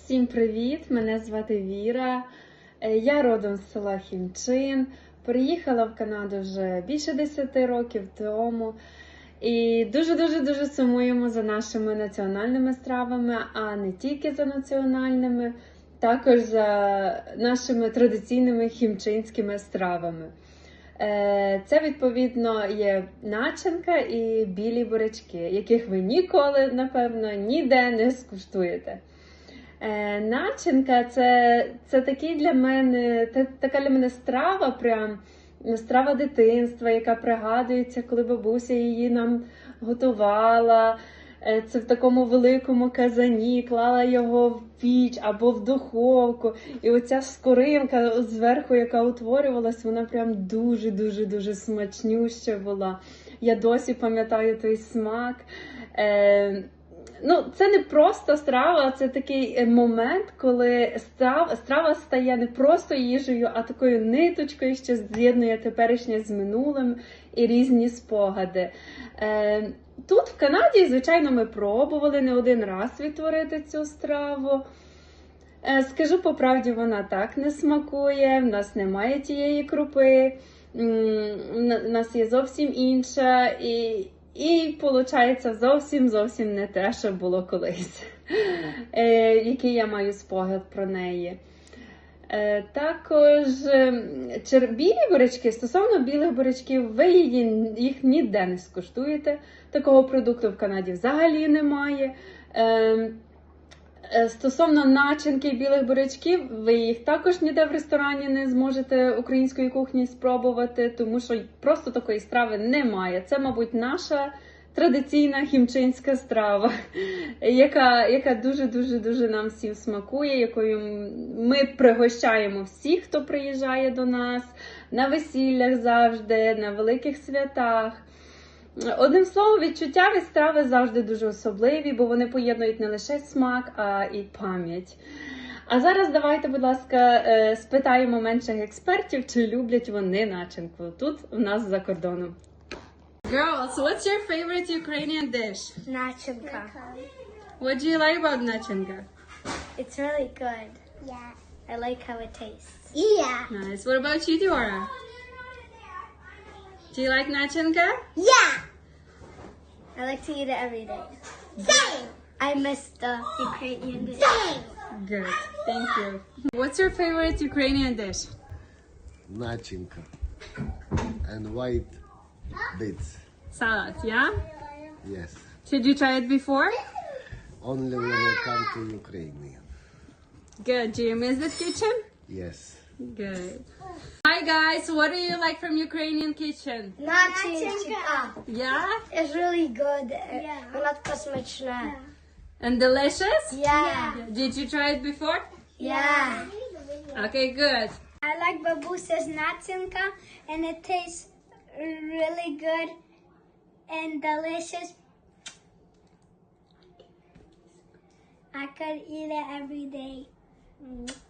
Всім привіт! Мене звати Віра. Я родом з села Хімчин. Приїхала в Канаду вже більше 10 років тому. І дуже сумуємо за нашими національними стравами, а не тільки за національними, також за нашими традиційними хімчинськими стравами. Це, відповідно, є начинка і білі бурячки, яких ви ніколи, напевно, ніде не скуштуєте. Начинка це такий для мене, така для мене страва, прям страва дитинства, яка пригадується, коли бабуся її нам готувала. Це в такому великому казані, клала його в піч або в духовку. І оця скоринка зверху, яка утворювалась, вона прям дуже смачнюща була. Я досі пам'ятаю той смак. Це не просто страва, це такий момент, коли страва стає не просто їжею, а такою ниточкою, що з'єднує теперішнє з минулим і різні спогади. Тут, в Канаді, звичайно, ми пробували не один раз відтворити цю страву. Скажу по правді, вона так не смакує, в нас немає тієї крупи, в нас є зовсім інша, і виходить зовсім не те, що було колись, який я маю спогад про неї. Також білі бурячки, стосовно білих бурячків, ви їх ніде не скуштуєте. Такого продукту в Канаді взагалі немає. Стосовно начинки білих бурячків, ви їх також ніде в ресторані не зможете української кухні спробувати, тому що просто такої страви немає. Це, мабуть, наша традиційна хімчинська страва, яка дуже нам всім смакує, якою ми пригощаємо всіх, хто приїжджає до нас, на весіллях завжди, на великих святах. Одним словом, відчуття від страви завжди дуже особливі, бо вони поєднують не лише смак, а і пам'ять. А зараз давайте, будь ласка, спитаємо менших експертів, чи люблять вони начинку тут, у нас за кордоном. Girls, what's your favorite Ukrainian dish? Nachinka. What do you like about nachinka? It's really good. Yeah. I like how it tastes. Yeah. Nice. What about you, Diora? Do you like nachinka? Yeah. I like to eat it every day. Same. I miss the Ukrainian dish. Same. Good. Thank you. What's your favorite Ukrainian dish? Начинка and white beets. Salad, yeah? Yes, Did you try it before? only when I come to Ukraine. Good. Do you miss the kitchen? Yes, Good. Hi guys, what do you like from Ukrainian kitchen? Nachinka. Yeah? It's really good. Yeah. Вона така смачна. And delicious? Yeah. Did you try it before? Yeah. Okay, good. I like babusa's nachinka, and it tastes really good and delicious. I could eat it every day.